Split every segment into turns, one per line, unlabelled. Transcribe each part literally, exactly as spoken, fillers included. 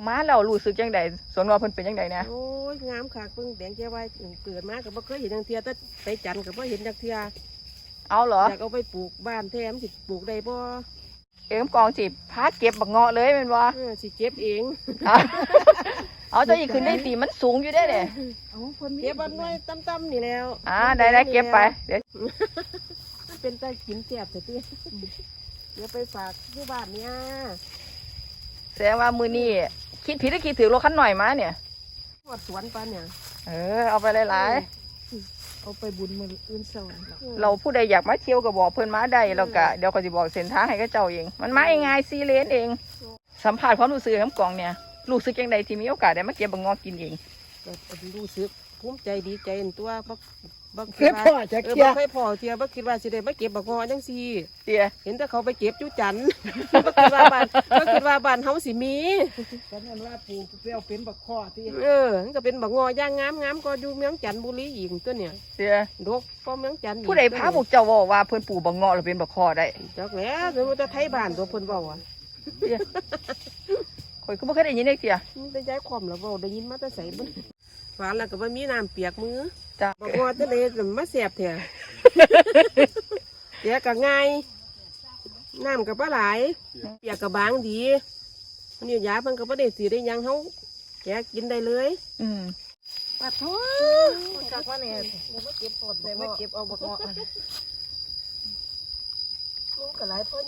มาแล้วรู้สึกจังไดสวนว่าเพิ่นเป็นจังไดเนี่ย
โอ้ยงามค่ะเพิ่งแดงแก้วไว้เกิดมาก็บ่เคยเห็นจังเทียแต่ไปจันทร์ก็บ่เห็นจังเทีย
เอาเหรอ
อยากเอาไปปลูกบ้านแท้มสิปลูกได้บ่
เอ็มกองสิพาเก็บบักเงาะเลยแม่นบ่
เออสิเก็บเอง
เอาเจ้าอีกขึ้นได้ตีมันสูงอยู่ได้เด้
เอาคนเก็บอันน้อยต่ำๆนี่แล้ว
อ่าได้ได้เก็บไปเดี๋ยว
มันเป็นตากินแซ่บแต่ติเดี๋ยวไปฝากอยู่บ้านเนี่ย
แสดงว่ามื้อนี้คิดผิดหรือคิดถูกรถคันหน่อยมาเนี่ย
หอดสวนปานเนี่ย
เออเอาไปหลาย
เอาไปบุญมื้ออื่นเช้า
ๆเราผู้ใดอยากมาเที่ยวก็บอกเพิ่นมาได้แล้วก็เดี๋ยวเขาสิบอกเส้นทางให้กับเจ้าเองมันมาง่ายๆสี่เลนเองสัมภาษณ์ความรู้สึกของกองเนี่ยรู้สึกจังไดที่มีโอกาสได้มาเก็บบักเงาะกินเอง
ก็รู้สึกภูมิใจดีใจในตัวบักบัก
เคยพ่อจะ
เออ
เคี้
บั
ย
กเคยพ่อเทียบักคิดว่าสิได้มาเก็บบักงอจังซี่
เตี้ย
เห็นแต่เขาไปเก็บจุจันทร์ บักคิดว่าบ้านบักคิดว่าบ้านเฮาสิมี
ตอนนั้นว่าปลูกเปรี้ยวเป็นบักข้อที่
เออมันก็เป็นบักงอย่างงามงามก็อยู่เมืองจันทบุรีอีกตัวเนี่ย
เตี้ย
ดกก็เมืองจันทร์อีก
ผู้ใดพาพวกเจ้าบอกว่าเพิ่นปลูกบักเงาะแล้วเป็นบักคอได้
จักแหล้วหรือว่าจะไทยบ้านตัวเพิ่นเว้าอ่ะ
เตี้ยข่อยก็บ่เคยได้ยินได้เตี้ย
มันได้ย้ายความแล้วเว้าได้ยินมาแต่ไสบ่ฝานแล้วก็บ่มีน้ำเปียกมือ
จ้ะ
บักงอทะเลมาแซ่บแท้ เปียกก็ง่ายน้ำก็บ่หลายเปียกก็บางดีอันนี้ยาเพิ่นก็บ่ได้สิได้หยังเฮาแกะกินได้เลย
อืม
ปัดโถจักว่าเนี่ยเดี๋ยวมาเก็บปอดเดี๋ยวมาเก็บเอาบักเงาะลูกก็หลายพ่อหนู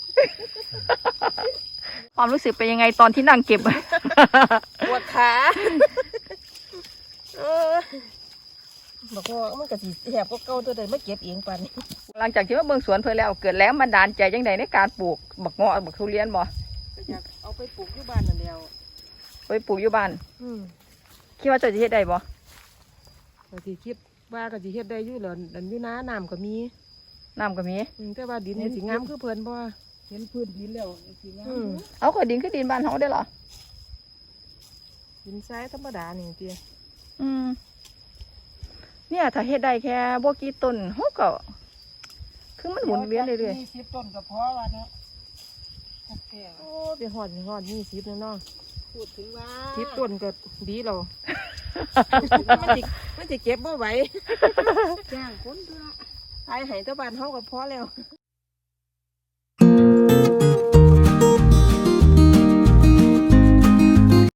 ความรู้สึกเป็นยังไงตอนที่นั่งเก็บ
ปวดขาเออบักเงาะมันก็สิแหบก็เก่าตัวใดมาเก็บเองปานนี้
หลังจากที่มาเบิ่งสวนเพิ่นแล้วเกิดแรงบันดาลใจจังไดในการปลูกบักเงาะบักทุเรียนบ่
อยากเอาไปปลูกอยู่บ้านนั่นแล้ว
ไปปลูกอยู่บ้าน
อืม
คิดว่าเจ้าจะเฮ็ดได้บ่
ก็สิคิดว่าก็สิเฮ็ดได้อยู่แล้วอันอยู่นาน้ำก็มี
น้ำก็มี
อืมแต่ว่าดินมันสิงามคือเพิ่นบ่
เห็นพื้นดินแล้วสีงาม
อืม
เอาก็ดินคือดินบ้านเฮาได้เหรอ
ดินทรายธรรมดานี่ติ
อืมเนี่ยถ้าเฮ็ดได้แค่บ่กี่ต้นเฮาก็คือมันหมุนเวียนเรื่อย
ๆยี่สิบต้นก็พอว่าเนาะโอเค
โอ้ไปฮอดนี่ฮอดยี่สิบแล้วเนาะ
พูดถึงว่า
สิบต้นก็ดีแล้ว มันสิมันสิเก็บบ่ไหว
จ้างคนเถอะ
ขายให้แตะบ้านเฮาก็พอแล้ว